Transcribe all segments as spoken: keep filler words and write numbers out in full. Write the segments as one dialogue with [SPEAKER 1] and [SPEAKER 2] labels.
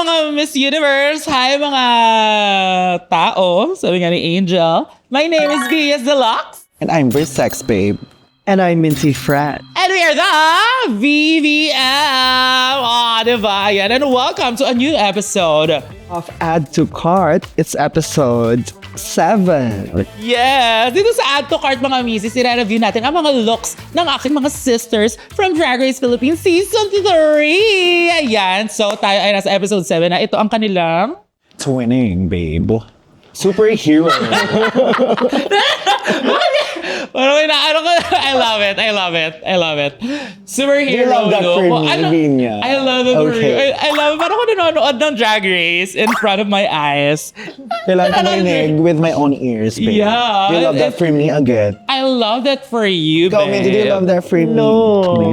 [SPEAKER 1] mga Miss Universe! Hi mga tao! Sabi nga ni Angel. My name is Gias Deluxe.
[SPEAKER 2] And I'm Versex, babe.
[SPEAKER 3] And I'm Minty Frat.
[SPEAKER 1] And we are the V V M! Oh, diba? Yan. And welcome to a new episode
[SPEAKER 3] Of Add to Cart, it's episode seven.
[SPEAKER 1] Yes! Dito sa Add to Cart mga misis, i-review natin ang mga looks ng aking mga sisters from Drag Race Philippines Season three! Ayan, so tayo ay nasa episode seven na. Ito ang kanilang...
[SPEAKER 2] Twinning, babe. Superhero.
[SPEAKER 1] Parang inaano ko, I love it, I love it, I love it. Superhero,
[SPEAKER 2] You love that
[SPEAKER 1] no?
[SPEAKER 2] for
[SPEAKER 1] Oh,
[SPEAKER 2] me,
[SPEAKER 1] ano?
[SPEAKER 2] Vinya.
[SPEAKER 1] I love it for
[SPEAKER 2] Okay.
[SPEAKER 1] you. I, I love it. Parang ko nanonood ng Drag Race in front of my eyes.
[SPEAKER 2] Kailangan ko marinig with my own ears, babe.
[SPEAKER 1] Yeah.
[SPEAKER 2] You love that
[SPEAKER 1] It-
[SPEAKER 2] for me again.
[SPEAKER 1] I love that for you,
[SPEAKER 2] Ikaw,
[SPEAKER 1] babe.
[SPEAKER 2] Minty, do you love that for me?
[SPEAKER 3] No.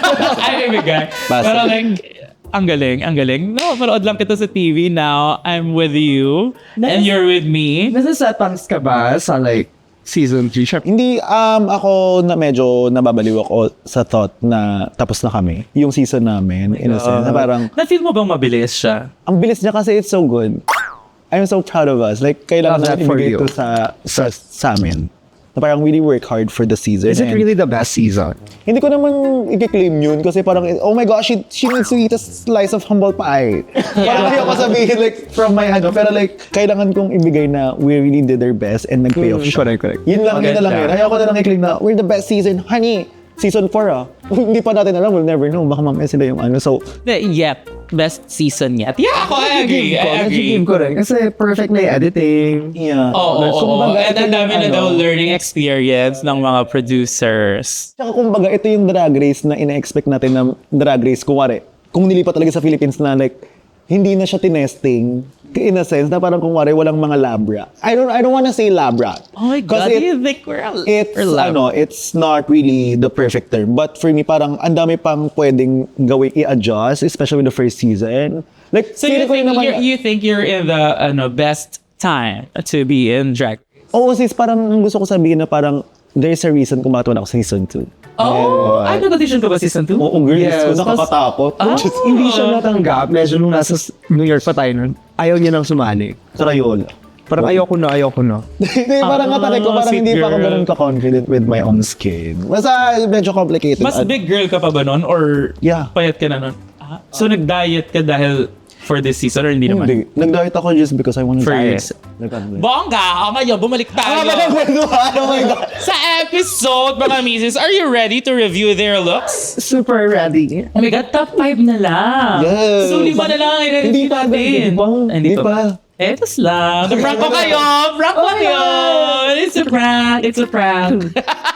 [SPEAKER 1] Ay, ibigay.
[SPEAKER 2] Basta.
[SPEAKER 1] Pero like, ang galing, ang galing. No, manood lang kita sa T V now. I'm with you. And you're with me.
[SPEAKER 3] Nasa settings ka ba sa like season three? Sharp.
[SPEAKER 2] Hindi, um, ako na medyo nababaliw ako sa thought na tapos na kami. Yung season namin, in a sense, na parang,
[SPEAKER 1] Na-feel mo bang mabilis siya?
[SPEAKER 2] ang bilis niya kasi it's so good. I'm so proud of us. Like, kailangan
[SPEAKER 3] Love that
[SPEAKER 2] natin
[SPEAKER 3] for
[SPEAKER 2] ibigay
[SPEAKER 3] you.
[SPEAKER 2] ito sa, sa, sa amin. Na parang really work hard for the season.
[SPEAKER 3] Is it
[SPEAKER 2] and-
[SPEAKER 3] really the best season?
[SPEAKER 2] Hindi ko naman i-claim yun kasi parang, oh my gosh, she, she needs to eat a slice of humble pie. Parang hindi ako sabihin like from my ano, pero like, kailangan kong ibigay na we really did our best and nag-pay off
[SPEAKER 3] Mm,
[SPEAKER 2] siya.
[SPEAKER 3] correct, correct.
[SPEAKER 2] Yun lang, yun na lang yun.
[SPEAKER 3] Maganda.
[SPEAKER 2] Ayoko na lang i-claim na, we're the best season. Honey, season four ah. Hindi pa natin alam, we'll never know. Baka mamaya sila yung ano. So,
[SPEAKER 1] The, yep. Best season yet. Yeah, ako, I agree. I agree.
[SPEAKER 3] Nag-game ko rin. Kasi perfect na yung editing.
[SPEAKER 2] yeah.
[SPEAKER 1] Oo, oo, oo.
[SPEAKER 2] Kumbaga,
[SPEAKER 1] And
[SPEAKER 2] ito
[SPEAKER 1] ang dami
[SPEAKER 2] yung
[SPEAKER 1] na daw
[SPEAKER 2] ano.
[SPEAKER 1] learning experience ng mga producers.
[SPEAKER 2] Tsaka kumbaga, ito yung drag race na ina-expect natin na drag race. Kunwari, kung nilipat talaga sa Philippines na like, hindi na siya tinesting. In a sense, na parang kunwari, walang mga labra. I don't I don't wanna say labra.
[SPEAKER 1] Oh my God,
[SPEAKER 2] Kasi
[SPEAKER 1] do you think we're a,
[SPEAKER 2] it's,
[SPEAKER 1] we're lab-
[SPEAKER 2] ano, it's not really the perfect term. But for me, parang ang dami pang pwedeng gawin, i-adjust, especially with the first season. Like,
[SPEAKER 1] So you
[SPEAKER 2] feeling ko
[SPEAKER 1] think,
[SPEAKER 2] yun naman,
[SPEAKER 1] you're, you think you're in the ano, best time to be in drag?
[SPEAKER 2] oo, sis, parang gusto ko sabihin na parang there's a reason kung bakit wala ako sa season two.
[SPEAKER 1] Oh, ay, nag-audition ka ba season two?
[SPEAKER 2] Oo, girl,
[SPEAKER 3] Yes,
[SPEAKER 2] yes, nakakatakot.
[SPEAKER 1] Ah.
[SPEAKER 2] Just,
[SPEAKER 3] Hindi siya natanggap. Medyo nung nasa s- New York pa tayo nun, ayaw niya nang sumali.
[SPEAKER 2] Crayola.
[SPEAKER 3] Parang ayoko na, ayoko na.
[SPEAKER 2] Hindi, parang
[SPEAKER 1] Ah,
[SPEAKER 2] atake ko, parang
[SPEAKER 1] sweet
[SPEAKER 2] hindi pa ako
[SPEAKER 1] girl.
[SPEAKER 2] ganun ka-confident with my own skin. Basta medyo complicated.
[SPEAKER 1] Mas
[SPEAKER 2] At-
[SPEAKER 1] big girl ka pa ba nun? Or
[SPEAKER 2] Yeah.
[SPEAKER 1] payat ka na nun? Ah, so nag-diet ka dahil for this season or hindi naman?
[SPEAKER 2] Hindi. Nag-diet ako just because I want to
[SPEAKER 1] For
[SPEAKER 2] diet.
[SPEAKER 1] yes.
[SPEAKER 2] Nag-diet.
[SPEAKER 1] Bongga! O ngayon, bumalik tayo.
[SPEAKER 2] Ah, ba nagkwentuhan? Oh my God.
[SPEAKER 1] Sa episode, mga misis, are you ready to review their looks?
[SPEAKER 3] Super ready.
[SPEAKER 1] Oh my God, top five na lang.
[SPEAKER 2] Yes.
[SPEAKER 1] So, lima na lang ang i-review
[SPEAKER 2] Hindi pa,
[SPEAKER 1] natin.
[SPEAKER 2] hindi pa.
[SPEAKER 1] Ay,
[SPEAKER 2] Hindi pa.
[SPEAKER 1] Etos lang. Na-prank ko kayo. Prank ko kayo. It's a prank. It's a prank.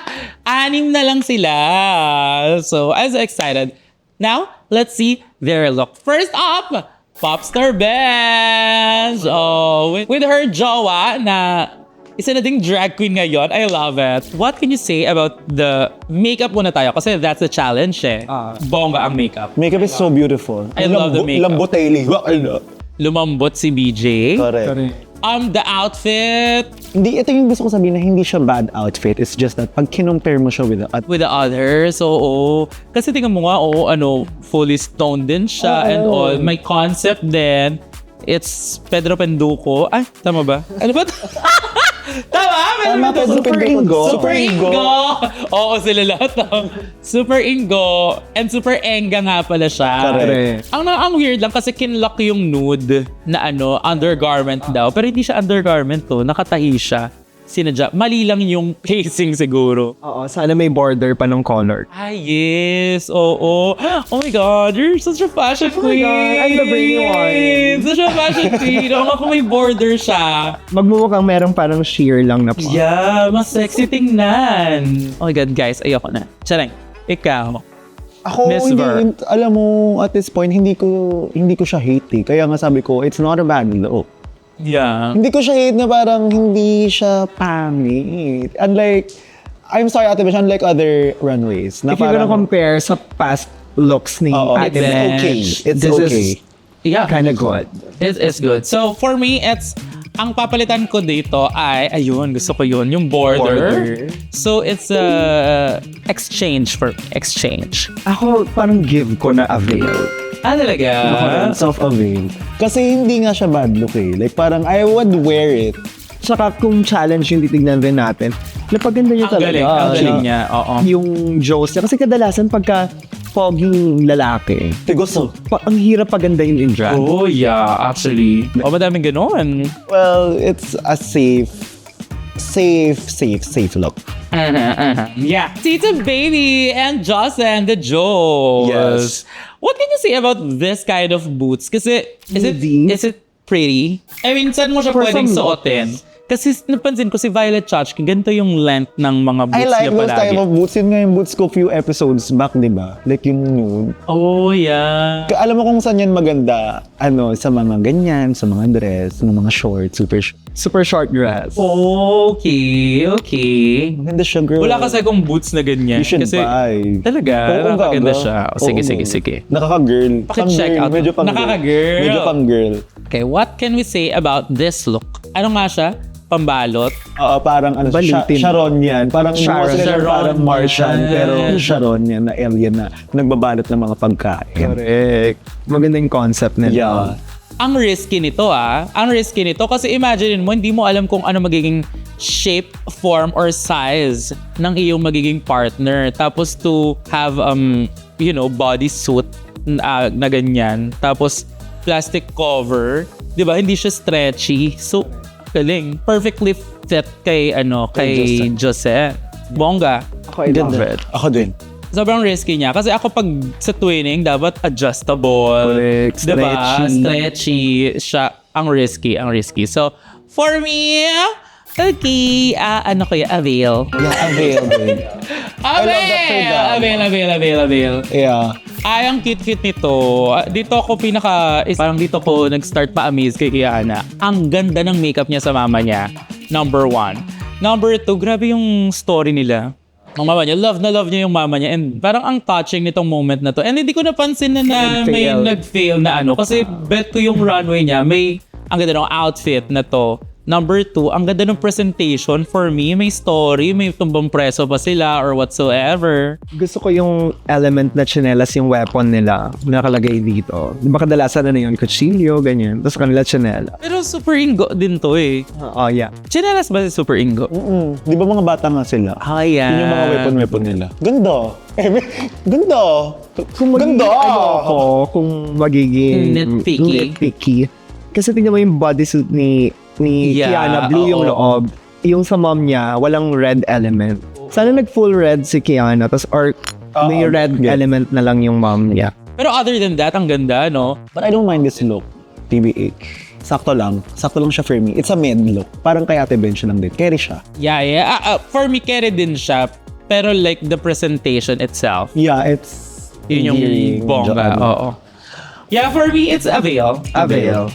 [SPEAKER 1] Anim na lang sila. So, I'm so excited. Now, let's see their look. First up, Popstar Benz. Oh, with, with her jowa na isa na ding drag queen ngayon. I love it. What can you say about the makeup muna tayo? Kasi that's the challenge eh.
[SPEAKER 3] Ah.
[SPEAKER 1] Bongga ang makeup.
[SPEAKER 2] Makeup is so beautiful.
[SPEAKER 1] I love the makeup.
[SPEAKER 2] Lamboteli. Ano?
[SPEAKER 1] Lumambot si B J.
[SPEAKER 2] Correct.
[SPEAKER 1] Um, the outfit
[SPEAKER 2] Hindi, ito yung gusto ko sabihin na hindi siya bad outfit. It's just that pag kinompare mo siya with the, at
[SPEAKER 1] with the others. So, oo. Kasi tingnan mo nga, oo, ano, fully stoned din siya
[SPEAKER 2] Oo.
[SPEAKER 1] and all. May concept din. It's Pedro Penduko. Ay, tama ba? Ano ba? Tama,
[SPEAKER 2] Tama, Pedro
[SPEAKER 1] Super
[SPEAKER 2] Penduko.
[SPEAKER 1] Ingo.
[SPEAKER 2] Super
[SPEAKER 1] Super
[SPEAKER 2] Ingo.
[SPEAKER 1] Ingo. Oo, sila lahat. ah. Super Ingo. And Super Enga nga pala siya.
[SPEAKER 2] Correct.
[SPEAKER 1] Ang, ang weird lang kasi kinlock yung nude na ano, undergarment daw. Pero hindi siya undergarment to. Nakatahi siya. Sinadya. Mali lang yung pacing siguro.
[SPEAKER 3] Oo, sana may border pa ng color.
[SPEAKER 1] Ah, yes. Oo. Oh my God, you're such a fashion
[SPEAKER 3] Oh my
[SPEAKER 1] queen.
[SPEAKER 3] God, I'm the brainy one.
[SPEAKER 1] Such a fashion queen. Oo nga kung may border siya.
[SPEAKER 3] Magmumukhang merong parang sheer lang na pa.
[SPEAKER 1] Yeah, mas sexy tingnan. Oh my God, guys, ayoko na. Chareng, ikaw.
[SPEAKER 2] ako,
[SPEAKER 1] Miss
[SPEAKER 2] hindi,
[SPEAKER 1] Ver.
[SPEAKER 2] hin- alam mo, at this point, hindi ko, hindi ko siya hate eh. Kaya nga sabi ko, it's not a bad look.
[SPEAKER 1] Yeah.
[SPEAKER 2] Hindi ko siya hate na parang hindi siya pangit. Unlike, I'm sorry Ate Besh, unlike other runways. Na
[SPEAKER 3] If you're gonna
[SPEAKER 2] parang,
[SPEAKER 3] compare sa past looks ni
[SPEAKER 2] Oo,
[SPEAKER 3] Ate
[SPEAKER 2] it's
[SPEAKER 3] Besh,
[SPEAKER 2] okay. It's
[SPEAKER 3] this
[SPEAKER 2] okay.
[SPEAKER 3] is
[SPEAKER 1] Yeah.
[SPEAKER 3] kind of good.
[SPEAKER 1] It is good. So, for me, it's ang papalitan ko dito ay, ayun, gusto ko yun, yung border.
[SPEAKER 2] Border.
[SPEAKER 1] So, it's a exchange for exchange.
[SPEAKER 3] Ako, parang give ko na avail.
[SPEAKER 1] Ah, talaga?
[SPEAKER 2] Self-avail. Kasi hindi nga siya bad look eh. Like parang I would wear it.
[SPEAKER 3] Saka kung challenge yung titignan rin natin, napaganda niya
[SPEAKER 1] Ang
[SPEAKER 3] talaga.
[SPEAKER 1] galing, ang galing niya. Oo.
[SPEAKER 3] Yung Joes niya. Kasi kadalasan pagka poging lalaki,
[SPEAKER 2] Tigoso.
[SPEAKER 3] pa, ang hirap pagandahin in drag.
[SPEAKER 1] Oh, yeah, actually. Oh, madaming ganon.
[SPEAKER 2] Well, it's a safe, safe, safe, safe look.
[SPEAKER 1] Yeah. Tita Baby and Joss and the Joes.
[SPEAKER 2] Yes.
[SPEAKER 1] What can you say about this kind of boots? Kasi, is it,
[SPEAKER 3] Hindi.
[SPEAKER 1] is it pretty? I mean, saan mo siya
[SPEAKER 3] For
[SPEAKER 1] pwedeng
[SPEAKER 3] some
[SPEAKER 1] suotin? Kasi napansin ko si Violet Chachki, ganito yung length ng mga boots
[SPEAKER 2] I like
[SPEAKER 1] niya
[SPEAKER 2] those
[SPEAKER 1] palagi.
[SPEAKER 2] type of boots. Yun nga yung boots ko few episodes back, di ba? Like yung nude.
[SPEAKER 1] Oh, yeah.
[SPEAKER 2] Ka- Alam mo kung saan yan maganda? Ano, sa mga ganyan, sa mga dress, sa mga shorts, super short.
[SPEAKER 3] Super short dress.
[SPEAKER 1] Okay, okay.
[SPEAKER 2] Maganda siya, girl.
[SPEAKER 1] Wala kasi akong boots na ganyan.
[SPEAKER 2] You should
[SPEAKER 1] kasi,
[SPEAKER 2] buy.
[SPEAKER 1] Talaga?
[SPEAKER 2] Oo,
[SPEAKER 1] Maganda
[SPEAKER 2] gaga.
[SPEAKER 1] siya. O, sige,
[SPEAKER 2] Oo.
[SPEAKER 1] sige, sige.
[SPEAKER 2] Nakaka-girl.
[SPEAKER 1] Paki-check
[SPEAKER 2] Pang-girl.
[SPEAKER 1] out.
[SPEAKER 2] Medyo pang
[SPEAKER 1] Nakaka-girl.
[SPEAKER 2] Medyo pang-girl.
[SPEAKER 1] Okay, what can we say about this look? Ano nga siya? Pambalot?
[SPEAKER 2] Oo, parang ano, Sha-
[SPEAKER 3] Balutin.
[SPEAKER 2] Sharon yan. Parang
[SPEAKER 3] Sharon.
[SPEAKER 2] Sharon. Sila
[SPEAKER 1] Sharon
[SPEAKER 2] parang Martian,
[SPEAKER 1] yan.
[SPEAKER 2] pero Sharon yan, na alien na nagbabalot ng mga pagkain.
[SPEAKER 3] Correct. Maganda yung concept nila.
[SPEAKER 2] Yeah.
[SPEAKER 1] Ang risky nito ah. Ang risky nito kasi imagine mo, hindi mo alam kung ano magiging shape, form, or size ng iyong magiging partner. Tapos to have, um, you know, bodysuit na, na ganyan. Tapos plastic cover. Di ba? Hindi siya stretchy. So, galing. Perfectly fit kay, ano, kay Jose. Bongga.
[SPEAKER 3] Ako, I love it.
[SPEAKER 2] Ako din.
[SPEAKER 1] Sobrang risky niya. Kasi ako pag sa twinning, dapat adjustable.
[SPEAKER 3] Correct.
[SPEAKER 1] Diba?
[SPEAKER 3] Stretchy.
[SPEAKER 1] Stretchy. Siya, ang risky, ang risky. So, for me, okay, ah, ano kaya, avail.
[SPEAKER 2] Yeah, avail din. I love that for
[SPEAKER 1] Avail!
[SPEAKER 2] them.
[SPEAKER 1] Avail, avail, avail, avail.
[SPEAKER 2] Yeah.
[SPEAKER 1] Ay, ang cute-cute nito. Ah, Dito ako pinaka, is, parang dito ko nag-start pa-amaze kay Kiana. Ang ganda ng makeup niya sa mama niya. Number one. Number two, grabe yung story nila. Ang mama niya, love na love niya yung mama niya. And parang ang touching nitong moment na to. And hindi ko napansin na, na may
[SPEAKER 3] Nag-fail.
[SPEAKER 1] nag-fail na ano. Kasi bet ko yung runway niya, may, ang ganda ng outfit na to. Number two, ang ganda ng presentation for me. May story, may tumbang preso pa sila or whatsoever.
[SPEAKER 3] Gusto ko yung element na chinelas yung weapon nila nakalagay dito. Di ba kadalasan na yun, kutsilyo, ganyan. Tapos kanila chinela.
[SPEAKER 1] Pero super ingo din to eh.
[SPEAKER 3] Oh, yeah.
[SPEAKER 1] Chinelas ba si Super Ingo?
[SPEAKER 2] Mm. Di ba mga bata nga sila?
[SPEAKER 1] Ah, yeah.
[SPEAKER 2] Yun yung mga weapon-weapon nila. Ganda. Eh, may- ganda.
[SPEAKER 3] Kung magiging,
[SPEAKER 2] Ganda.
[SPEAKER 3] ano ako, kung magiging
[SPEAKER 1] Nitpicky.
[SPEAKER 3] nitpicky. Kasi tingnan mo yung bodysuit ni ni
[SPEAKER 1] Yeah,
[SPEAKER 3] Kiana, blue yung
[SPEAKER 1] oo.
[SPEAKER 3] loob. Yung sa mom niya, walang red element. Sana nag full red si Kiana, tas or may
[SPEAKER 2] Oo,
[SPEAKER 3] red
[SPEAKER 2] yeah.
[SPEAKER 3] element na lang yung mom niya.
[SPEAKER 1] Pero other than that, ang ganda, no?
[SPEAKER 2] But I don't mind this look. T B H. Sakto lang. Sakto lang siya for me. It's a med look. Parang kay Ate Ben siya lang din. Carry siya.
[SPEAKER 1] Yeah, yeah. Ah, ah, for me, carry din siya. Pero like the presentation itself,
[SPEAKER 2] Yeah, it's...
[SPEAKER 1] yun yung
[SPEAKER 2] endearing.
[SPEAKER 1] bongga. Oo. Yeah, for me, it's Avail.
[SPEAKER 3] Avail.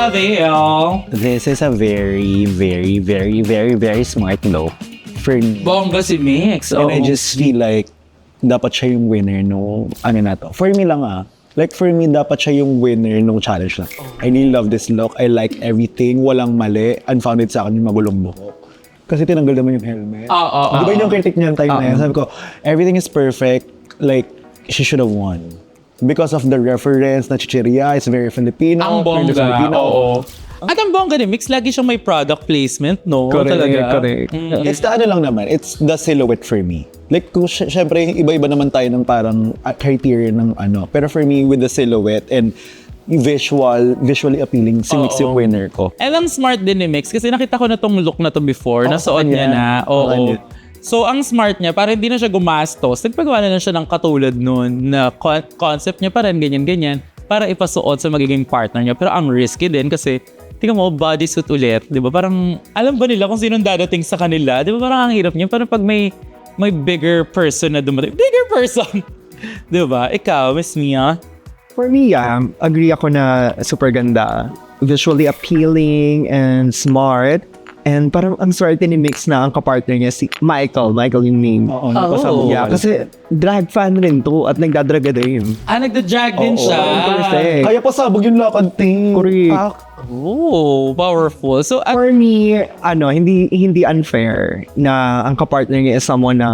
[SPEAKER 1] Avail.
[SPEAKER 2] This is a very, very, very, very, very smart look for me.
[SPEAKER 1] Bongga si Mix.
[SPEAKER 2] And
[SPEAKER 1] Oo.
[SPEAKER 2] I just feel like dapat siya yung winner no ano na to. For me lang ah. Like for me, dapat siya yung winner nung challenge na. I really love this look. I like everything. Walang mali. Unfounded sa akin yung magulong buhok. Kasi tinanggal naman yung helmet.
[SPEAKER 1] Oo, oo,
[SPEAKER 2] Di ba
[SPEAKER 1] oo.
[SPEAKER 2] yun yung critic niya yung time na yun? Sabi ko, everything is perfect. Like, she should have won. Because of the reference na chichiria, it's very Filipino.
[SPEAKER 1] Ang
[SPEAKER 2] very
[SPEAKER 1] bongga.
[SPEAKER 2] Filipino.
[SPEAKER 1] Oo. At ang bongga ni Mix, lagi siyang may product placement, no?
[SPEAKER 3] Correct,
[SPEAKER 1] Talaga.
[SPEAKER 3] correct.
[SPEAKER 1] Mm.
[SPEAKER 2] It's the ano lang naman, it's the silhouette for me. Like, kung sy- syempre, iba-iba naman tayo ng parang uh, criteria ng ano. Pero for me, with the silhouette and visual, visually appealing, si Mix
[SPEAKER 1] Oo.
[SPEAKER 2] yung winner ko.
[SPEAKER 1] And ang smart din ni Mix kasi nakita ko na tong look na to before,
[SPEAKER 2] Oo,
[SPEAKER 1] nasuot
[SPEAKER 2] sa
[SPEAKER 1] niya
[SPEAKER 2] kanya.
[SPEAKER 1] na.
[SPEAKER 2] Sa
[SPEAKER 1] Oo.
[SPEAKER 2] kanya.
[SPEAKER 1] So, ang smart niya, para hindi na siya gumastos, nagpagawa na lang siya ng katulad nun na con- concept niya pa rin, ganyan-ganyan, para ipasuot sa magiging partner niya. Pero ang risky din kasi, tingnan mo, bodysuit ulit, di ba? Parang, alam ba nila kung sinong dadating sa kanila? Di ba parang ang hirap niya? Parang pag may, may bigger person na dumating, bigger person! Di ba? Ikaw, Miss Mia?
[SPEAKER 3] For me, yeah, agree ako na super ganda. Visually appealing and smart. And parang ang swerte ni Mix na ang kapartner niya si Michael. Michael yung name.
[SPEAKER 2] Oo,
[SPEAKER 1] napasabog.
[SPEAKER 3] Yeah, kasi drag fan rin to at nagdadraga din.
[SPEAKER 1] Ah, nagda-drag din
[SPEAKER 2] Oo,
[SPEAKER 1] siya.
[SPEAKER 3] perfect.
[SPEAKER 2] Kaya pasabog yung lakad, ting.
[SPEAKER 3] Correct.
[SPEAKER 2] Ah,
[SPEAKER 1] Oh, powerful. So, at
[SPEAKER 3] For me, ano, hindi hindi unfair na ang kapartner niya is someone na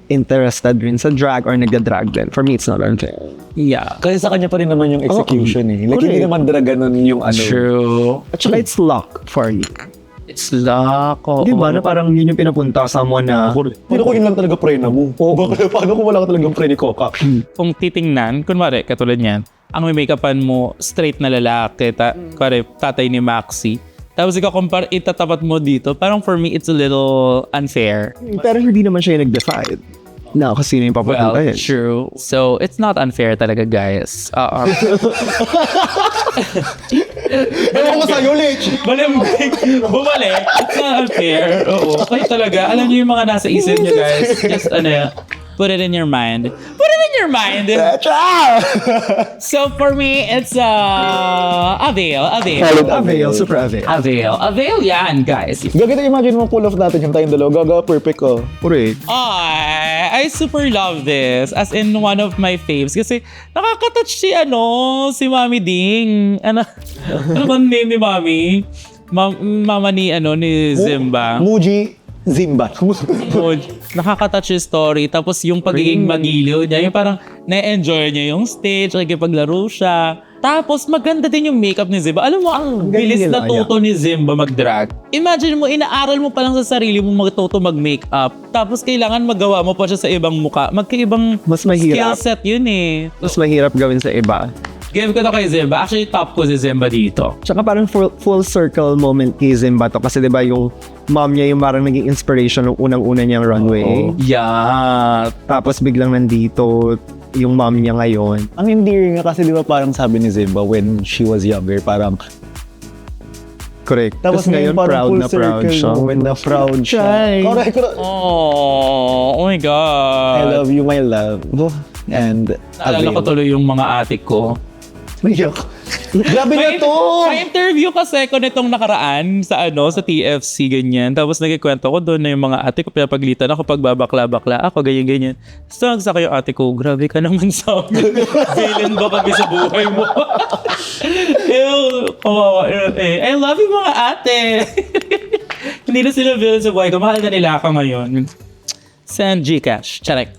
[SPEAKER 3] interested rin sa drag or nagda-drag din. For me, it's not unfair.
[SPEAKER 1] Yeah.
[SPEAKER 2] Kasi sa kanya pa rin naman yung execution eh. Like, hindi
[SPEAKER 3] Correct.
[SPEAKER 2] naman drag ganun yung ano.
[SPEAKER 1] True.
[SPEAKER 3] At saka it's luck for you.
[SPEAKER 1] It's luck. Oh,
[SPEAKER 3] Di ba? Na parang yun yung pinapunta sa someone na...
[SPEAKER 2] Hindi ko yun lang talaga prena mo. Oh, bakit, paano kung wala ka talagang pre ni Coca?
[SPEAKER 1] Kung titingnan, kunwari, katulad niyan, ang may make-upan mo, straight na lalaki, ta, kunwari, tatay ni Maxi. Tapos ikaw, compare, itatapat mo dito, parang for me, it's a little unfair.
[SPEAKER 3] Pero hindi naman siya yung nag-decide na kasi sino yung
[SPEAKER 1] Well,
[SPEAKER 3] papapunta.
[SPEAKER 1] true. So, it's not unfair talaga, guys. Uh,
[SPEAKER 2] Ewan ko sa'yo, Lich!
[SPEAKER 1] Malambing, bumalik. It's not unfair. Oo. Kayo talaga, alam niyo yung mga nasa isip niyo, guys. Just, ano, put it in your mind. Put it in your mind. So, for me, it's, uh, avail, avail.
[SPEAKER 2] Solid
[SPEAKER 3] Avail, super avail.
[SPEAKER 1] Avail. Avail yan, guys.
[SPEAKER 2] Gaganda, imagine mo pull off natin yung tayong dalawa. Gaga, perfect ko.
[SPEAKER 3] Correct.
[SPEAKER 1] I, I super love this. As in, one of my faves. Kasi, nakaka-touch si, ano, si Mami Ding. Ano, ano ba ang name ni Mami? Ma- mama ni, ano, ni Zimba.
[SPEAKER 2] Muji Zimba.
[SPEAKER 1] Oh, nakaka-touch yung story. Tapos yung pagiging magiliw niya, yung parang na-enjoy niya yung stage, nakikipaglaro siya. Tapos maganda din yung makeup ni Zimba. Alam mo, ang
[SPEAKER 3] galing
[SPEAKER 1] bilis
[SPEAKER 3] nila,
[SPEAKER 1] na tuto ni Zimba mag-drag. Imagine mo, inaaral mo pa lang sa sarili mo magtuto mag-makeup. Tapos kailangan magawa mo pa siya sa ibang muka. Magkaibang
[SPEAKER 3] Mas mahirap.
[SPEAKER 1] skill set yun eh.
[SPEAKER 3] Mas mahirap gawin sa iba.
[SPEAKER 1] Give ko to kay Zimba. Actually, top ko si Zimba dito.
[SPEAKER 3] Tsaka parang full, full circle moment kay Zimba to. Kasi diba yung mom niya yung parang naging inspiration ng unang-una niyang runway.
[SPEAKER 1] Yeah.
[SPEAKER 3] Tapos biglang nandito yung mom niya ngayon.
[SPEAKER 2] Ang endearing nga kasi di ba parang sabi ni Zimba when she was younger, parang
[SPEAKER 3] Correct.
[SPEAKER 2] tapos
[SPEAKER 3] Tapos
[SPEAKER 2] ngayon
[SPEAKER 3] ngayon
[SPEAKER 2] parang
[SPEAKER 3] proud
[SPEAKER 2] full
[SPEAKER 3] na proud
[SPEAKER 2] circle
[SPEAKER 3] siya.
[SPEAKER 2] moment na proud siya.
[SPEAKER 3] Try.
[SPEAKER 2] Correct, correct.
[SPEAKER 1] Oh, oh my God.
[SPEAKER 2] I love you, my love. And
[SPEAKER 1] Naalala ko tuloy yung mga atik ko.
[SPEAKER 2] Naiyak. Grabe na
[SPEAKER 1] May,
[SPEAKER 2] to!
[SPEAKER 1] may interview kasi ko nitong nakaraan sa ano, sa T F C, ganyan. Tapos nagkikwento ko doon na yung mga ate ko, pinapaglitan ako pag babakla-bakla ako, ganyan-ganyan. So, nagsaka yung ate ko, grabe ka naman sa amin. Villain ba kami sa buhay mo? Ew, kawawa. Eh, I love you mga ate. Hindi na sila villain sa buhay ko. Mahal na nila ako ngayon. Send Gcash. Charek.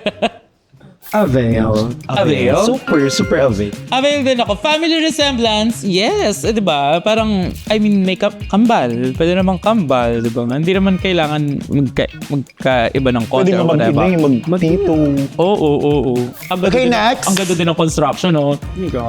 [SPEAKER 3] Avail.
[SPEAKER 1] Avail?
[SPEAKER 3] Super, super avail.
[SPEAKER 1] Avail din ako. Family resemblance, yes. Eh, di ba? Parang, I mean, makeup, kambal. Pwede namang kambal, di ba? Hindi naman kailangan magka, magkaiba ng konti
[SPEAKER 2] Pwede nga
[SPEAKER 1] or whatever.
[SPEAKER 2] mag-inay, mag-tito.
[SPEAKER 1] Oo, oo, oo, oo. Ang ganda
[SPEAKER 2] Okay,
[SPEAKER 1] din-
[SPEAKER 2] next.
[SPEAKER 1] Ang ganda din ng construction, oh.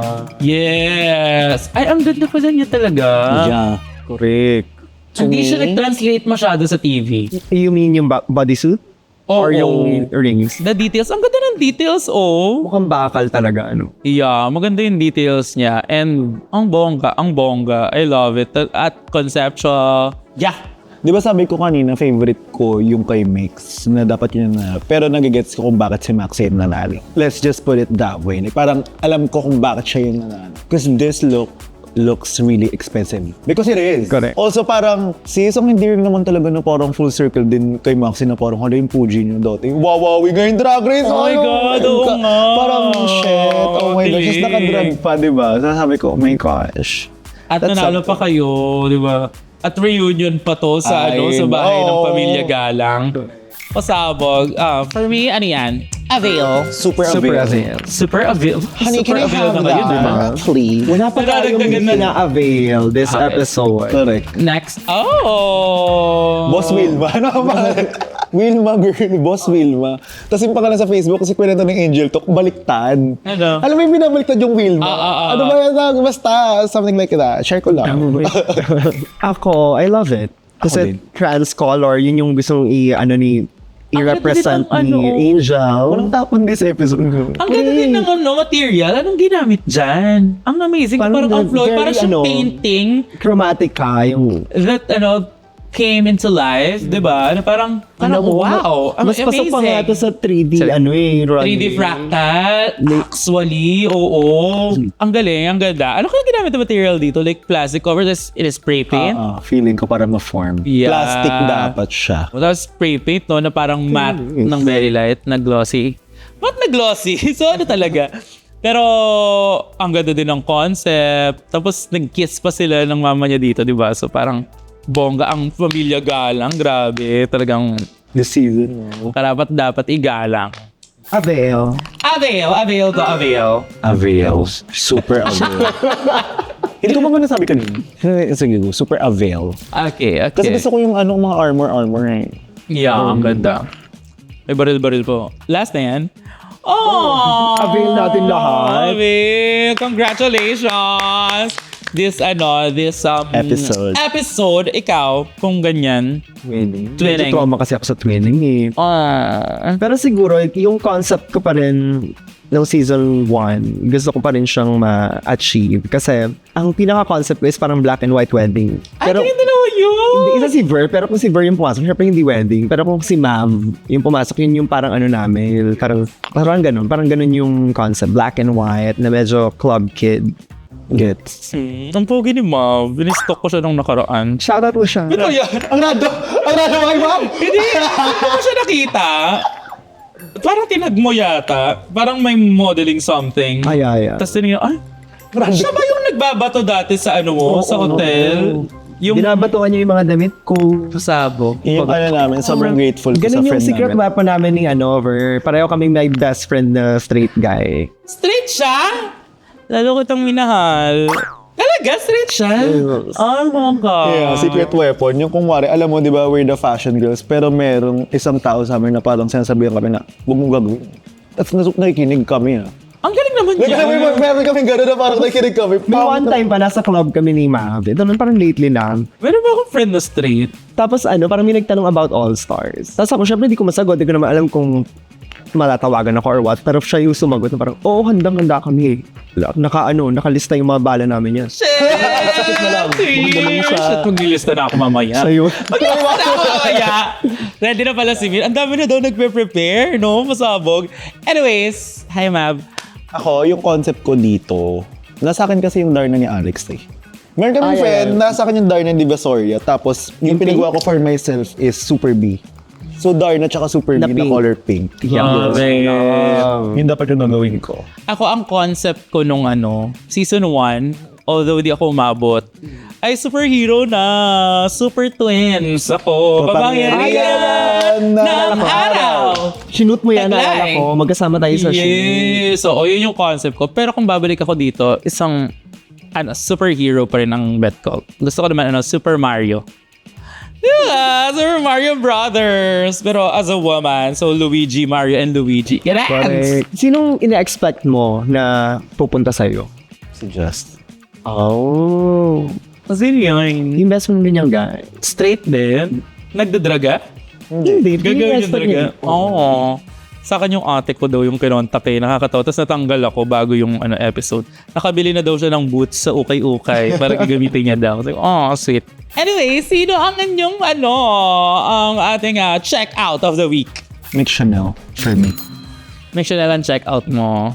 [SPEAKER 1] Yes. Ay, ang ganda pala niya talaga.
[SPEAKER 2] Yeah.
[SPEAKER 3] Correct.
[SPEAKER 1] Hindi siya nag-translate masyado sa T V.
[SPEAKER 3] You mean yung ba- bodysuit?
[SPEAKER 1] Oo.
[SPEAKER 3] Or yung rings?
[SPEAKER 1] The details. Ang ganda ng details, oh.
[SPEAKER 3] Mukhang bakal talaga, ano?
[SPEAKER 1] Yeah, maganda yung details niya. And ang bongga, ang bongga. I love it. At conceptual. Yeah.
[SPEAKER 2] Di ba sabi ko kanina, favorite ko yung kay Mix na dapat yun na. Pero nagigets ko kung bakit si Max yung nanalo. Let's just put it that way. Like, parang alam ko kung bakit siya yung nanalo. Because this look looks really expensive. Because it is.
[SPEAKER 3] Correct.
[SPEAKER 2] Also parang, si isang endearing naman talaga na parang full circle din kay Maxi na parang hala yung Puji niyo dati. Wawawi ngayon drag race!
[SPEAKER 1] Oh my
[SPEAKER 2] Ano?
[SPEAKER 1] God, oo
[SPEAKER 2] Ka-
[SPEAKER 1] nga.
[SPEAKER 2] Parang shit, oh my gosh. Just
[SPEAKER 1] Dilim.
[SPEAKER 2] nakadrag pa, di ba? Sasabi ko, oh my gosh.
[SPEAKER 1] At
[SPEAKER 2] That's
[SPEAKER 1] nanalo pa kayo, di ba? At reunion pa to sa
[SPEAKER 2] Ay,
[SPEAKER 1] ano sa bahay ng
[SPEAKER 2] no.
[SPEAKER 1] Pamilya Galang. Pasabog. Ah, for me, ano yan? Avail.
[SPEAKER 2] Super,
[SPEAKER 3] Super
[SPEAKER 2] avail.
[SPEAKER 3] avail.
[SPEAKER 1] Super avail.
[SPEAKER 2] Honey,
[SPEAKER 1] Super
[SPEAKER 2] can I
[SPEAKER 1] avail
[SPEAKER 2] have
[SPEAKER 1] na kayo, di ba?
[SPEAKER 2] that? Please.
[SPEAKER 3] Wala pa tayong
[SPEAKER 1] Nadadagdagan na-
[SPEAKER 3] pina-avail this
[SPEAKER 1] Okay.
[SPEAKER 3] episode.
[SPEAKER 2] Correct.
[SPEAKER 1] Next. Oh!
[SPEAKER 2] Boss Wilma. Ano ang pangalan? Wilma girl. Boss Wilma. Tapos yung pangalan sa Facebook kasi kwento ng Angel Talk, baliktad.
[SPEAKER 1] Ano?
[SPEAKER 2] Alam mo yung binabaliktad yung Wilma?
[SPEAKER 1] Ah, ah, ah,
[SPEAKER 2] ano ba yan? Basta, something like that. Share ko lang.
[SPEAKER 3] Ako, I love it. Kasi
[SPEAKER 2] din.
[SPEAKER 3] trans color, yun yung gustong i, ano ni, i-represent
[SPEAKER 1] ganda din
[SPEAKER 3] ni
[SPEAKER 1] ng ano.
[SPEAKER 3] Angel.
[SPEAKER 2] Walang tapon this episode.
[SPEAKER 1] Ang ganda din ng ano, material. Anong ginamit dyan? Ang amazing.
[SPEAKER 3] Parang
[SPEAKER 1] Parang, ang
[SPEAKER 3] the-
[SPEAKER 1] flow.
[SPEAKER 3] very
[SPEAKER 1] Parang siyang
[SPEAKER 3] ano,
[SPEAKER 1] painting
[SPEAKER 3] Chromatic ka, yung...
[SPEAKER 1] that, ano, came into life. Di ba? Ano, parang, parang
[SPEAKER 3] Ano,
[SPEAKER 1] wow. Ang
[SPEAKER 3] mas pasok pa nga
[SPEAKER 1] amazing.
[SPEAKER 3] ito sa three D,
[SPEAKER 1] Sa-
[SPEAKER 3] ano eh, runway.
[SPEAKER 1] three D fractal. Actually, oo. Ang galing, ang ganda. Ano kaya ginamit na material dito? Like plastic cover, this it is spray paint?
[SPEAKER 2] Ah, ah, feeling ko para ma-form.
[SPEAKER 1] Yeah.
[SPEAKER 2] Plastic dapat siya.
[SPEAKER 1] Tapos spray paint, no, na parang matte ng very light, na glossy. Matte na glossy? So ano talaga? Pero ang ganda din ng concept. Tapos nag-kiss pa sila ng mama niya dito, di ba? So parang bongga ang Pamilya Galang. Grabe. Talagang
[SPEAKER 2] This season.
[SPEAKER 1] Karapat dapat igalang.
[SPEAKER 3] Avail.
[SPEAKER 1] Avail, avail to avail.
[SPEAKER 2] Avails. Super avail. Hindi ko ba ba nasabi kanina? Eh, Sige, go. Super avail.
[SPEAKER 1] Okay, okay.
[SPEAKER 2] Kasi gusto ko yung ano, mga armor-armor eh.
[SPEAKER 1] Yeah, ang ganda. May baril-baril po. Last na yan. Oh!
[SPEAKER 3] Avail natin lahat.
[SPEAKER 1] Avail! Congratulations! This, ano, this um,
[SPEAKER 2] Episode.
[SPEAKER 1] episode, ikaw, kung ganyan.
[SPEAKER 3] Twinning.
[SPEAKER 1] Twinning.
[SPEAKER 3] Medyo trauma kasi ako sa twinning eh.
[SPEAKER 1] Ah.
[SPEAKER 3] Pero siguro, yung concept ko pa rin ng season one, gusto ko pa rin siyang ma-achieve. Kasi, ang pinaka-concept ko is parang black and white wedding.
[SPEAKER 1] Ay,
[SPEAKER 3] Pero,
[SPEAKER 1] ganyan dalawa yun!
[SPEAKER 3] hindi, isa si Ver, pero kung si Ver yung pumasok, syempre hindi wedding. Pero kung si Ma'am yung pumasok, yun yung parang ano namin, parang, parang ganun, parang ganun yung concept, black and white, na medyo club kid. Gets.
[SPEAKER 1] Hmm, ang pogi ni Mav. Binistock ko siya nung nakaraan.
[SPEAKER 3] Shoutout po siya.
[SPEAKER 1] Ito yan!
[SPEAKER 2] Ang random! Ang random ay ma'am!
[SPEAKER 1] Hindi! Hindi ko siya nakita. Parang tinag mo yata. Parang may modeling something.
[SPEAKER 3] Ay, ay, ay.
[SPEAKER 1] Tapos tinignan, ay, siya ba yung nagbabato dati sa ano mo, sa hotel? Yung
[SPEAKER 3] Binabatuan niyo yung mga damit ko.
[SPEAKER 1] sabog.
[SPEAKER 2] Yung ano namin, sobrang grateful ko sa
[SPEAKER 3] Ganun yung
[SPEAKER 2] friend
[SPEAKER 3] secret
[SPEAKER 2] namin.
[SPEAKER 3] weapon namin ni ano, Ver. Pareho kaming may best friend na straight guy.
[SPEAKER 1] Straight siya? Lalo kitang minahal. Talaga? Straight siya?
[SPEAKER 3] Yes.
[SPEAKER 1] Oh my God.
[SPEAKER 2] Yeah, secret weapon. Yung kung wari, alam mo, di ba, we're the fashion girls, pero merong isang tao sa amin na parang sinasabihan kami na, huwag mong gagawin. Tapos nas- nakikinig kami ah.
[SPEAKER 1] Ang galing naman
[SPEAKER 2] Like,
[SPEAKER 1] niya.
[SPEAKER 2] alam mo, may- meron kami gano'n na parang nakikinig kami.
[SPEAKER 3] May one time pa, nasa club kami ni Mav. Ito nun, parang lately lang.
[SPEAKER 1] Meron ba akong friend na straight?
[SPEAKER 3] Tapos ano, parang may nagtanong about All Stars. Tapos ako, syempre, hindi ko masagot. Hindi ko naman alam kung malatawagan ako or what. Pero siya yung sumagot na parang, oo, handang-handa kami. Naka, ano, nakalista yung mga bala namin yan.
[SPEAKER 1] Shit! Shit, maglilista na ako mamaya.
[SPEAKER 3] Siya yun.
[SPEAKER 1] Maglilista na ako mamaya. Ready na pala si Mir. Ang dami na daw nagpe-prepare, no? Masabog. Anyways, hi, Mab.
[SPEAKER 2] Ako, yung concept ko dito, nasa akin kasi yung Darna ni Alex eh. Meron kami
[SPEAKER 3] Ay,
[SPEAKER 2] friend,
[SPEAKER 3] ay, ay.
[SPEAKER 2] nasa akin yung Darna ni Divisoria, tapos yung,
[SPEAKER 3] Yung
[SPEAKER 2] pinagawa ko for myself is Super B. So Darna tsaka Super
[SPEAKER 3] Na
[SPEAKER 2] B na
[SPEAKER 3] pink.
[SPEAKER 2] color pink.
[SPEAKER 1] Love it.
[SPEAKER 2] Yun dapat yung nagawin ko.
[SPEAKER 1] Ako, ang concept ko nung ano, season one, although di ako umabot, ay superhero na. Super twins. Ako, papangyarihan ng araw.
[SPEAKER 3] Sinut mo yan,
[SPEAKER 1] Taglay.
[SPEAKER 3] naalala ko. Magkasama tayo sa shoot.
[SPEAKER 1] Yes. So, yun yung concept ko. Pero kung babalik ako dito, isang ano, superhero pa rin ang bet ko. Gusto ko naman, ano, Super Mario. Yeah, Super Mario Brothers. Pero as a woman, so Luigi, Mario, and Luigi. Yes!
[SPEAKER 3] Correct. Sinong ina-expect mo na pupunta sa'yo?
[SPEAKER 2] Si Just.
[SPEAKER 3] Oh.
[SPEAKER 1] Kasi yun,
[SPEAKER 3] Yung best friend din yung guy.
[SPEAKER 1] straight din. Nagdadraga?
[SPEAKER 3] Hindi.
[SPEAKER 1] Gagawin yung
[SPEAKER 3] expect
[SPEAKER 1] draga?
[SPEAKER 3] niya.
[SPEAKER 1] Oo. Sa akin yung ate ko daw yung kinontak eh. Nakakatawa. Tapos natanggal ako bago yung ano, episode. Nakabili na daw siya ng boots sa ukay-ukay para gagamitin niya daw. Sabi ko, oh, sweet. Anyway, sino ang inyong ano, ang ating uh, check out of the week?
[SPEAKER 2] Nick Chanel for me.
[SPEAKER 1] Make sure na lang check out mo.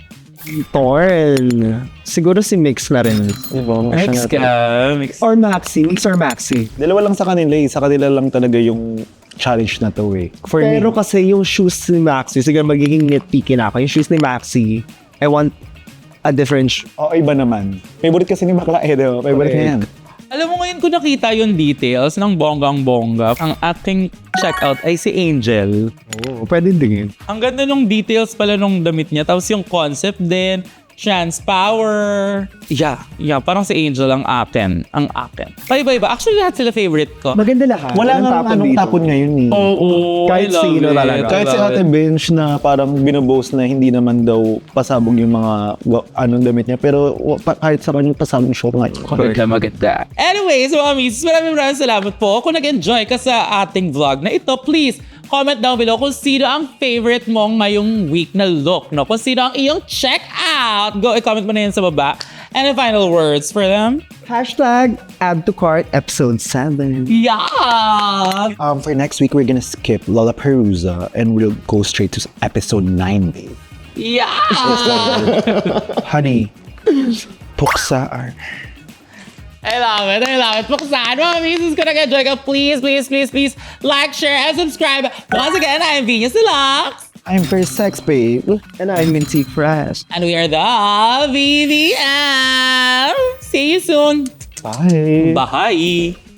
[SPEAKER 3] Torn. Siguro si Mix na rin.
[SPEAKER 2] Diba?
[SPEAKER 1] Mix ka. Mix.
[SPEAKER 3] Or Maxi. Mix or Maxi.
[SPEAKER 2] Dalawa lang sa kanila eh. Sa kanila lang talaga yung challenge na to eh. For
[SPEAKER 3] Pero
[SPEAKER 2] me.
[SPEAKER 3] kasi yung shoes ni Maxi, siguro magiging nitpicky na ako. Yung shoes ni Maxi, I want a different sh-
[SPEAKER 2] Oo, iba naman. Favorite kasi ni Bakla eh, diba? Favorite niya yan.
[SPEAKER 1] Alam mo ngayon ko nakita yung details ng bonggang-bongga. Ang ating checkout ay si Angel.
[SPEAKER 3] Oo, pwede din.
[SPEAKER 1] Ang ganda nung details pala nung damit niya. Tapos yung concept din, chance power. Yeah, yeah. Parang si Angel ang akin. Ang akin. Paiba-iba. Actually, lahat sila favorite ko.
[SPEAKER 3] Maganda lahat.
[SPEAKER 2] Wala
[SPEAKER 3] Walang
[SPEAKER 2] nga
[SPEAKER 3] tapon
[SPEAKER 2] anong
[SPEAKER 3] dito.
[SPEAKER 2] tapon ngayon eh.
[SPEAKER 1] Oo,
[SPEAKER 3] Kahit
[SPEAKER 1] I love
[SPEAKER 3] sino
[SPEAKER 1] it.
[SPEAKER 3] talaga.
[SPEAKER 2] Kahit
[SPEAKER 1] I
[SPEAKER 2] si
[SPEAKER 1] love
[SPEAKER 2] Ate
[SPEAKER 1] it.
[SPEAKER 2] Bench na parang binoboast na hindi naman daw pasabog yung mga wa- anong damit niya. Pero wa- pa- kahit sa kanyang pasabog show ngayon.
[SPEAKER 1] Maganda, maganda. Anyways, mga misis, maraming maraming salamat po. Kung nag-enjoy ka sa ating vlog na ito, please, comment down below kung sino ang favorite mong ngayong week na look, no? Kung sino ang iyong check out. Go, i-comment mo na yan sa baba. Any final words for them?
[SPEAKER 3] Hashtag add to cart episode seven.
[SPEAKER 1] Yeah!
[SPEAKER 2] Um, for next week, we're gonna skip Lollapalooza and we'll go straight to episode nine, babe.
[SPEAKER 1] Yeah!
[SPEAKER 2] Honey, puksa are...
[SPEAKER 1] I love it. I love it. Buksan, mga misis, kung nag-enjoy ka, please, please, please, please, like, share, and subscribe. Once again, I'm Venus Deluxe.
[SPEAKER 2] I'm for sex, babe.
[SPEAKER 3] And I'm Minty Fresh.
[SPEAKER 1] And we are the V V M. See you soon.
[SPEAKER 2] Bye.
[SPEAKER 1] Bye.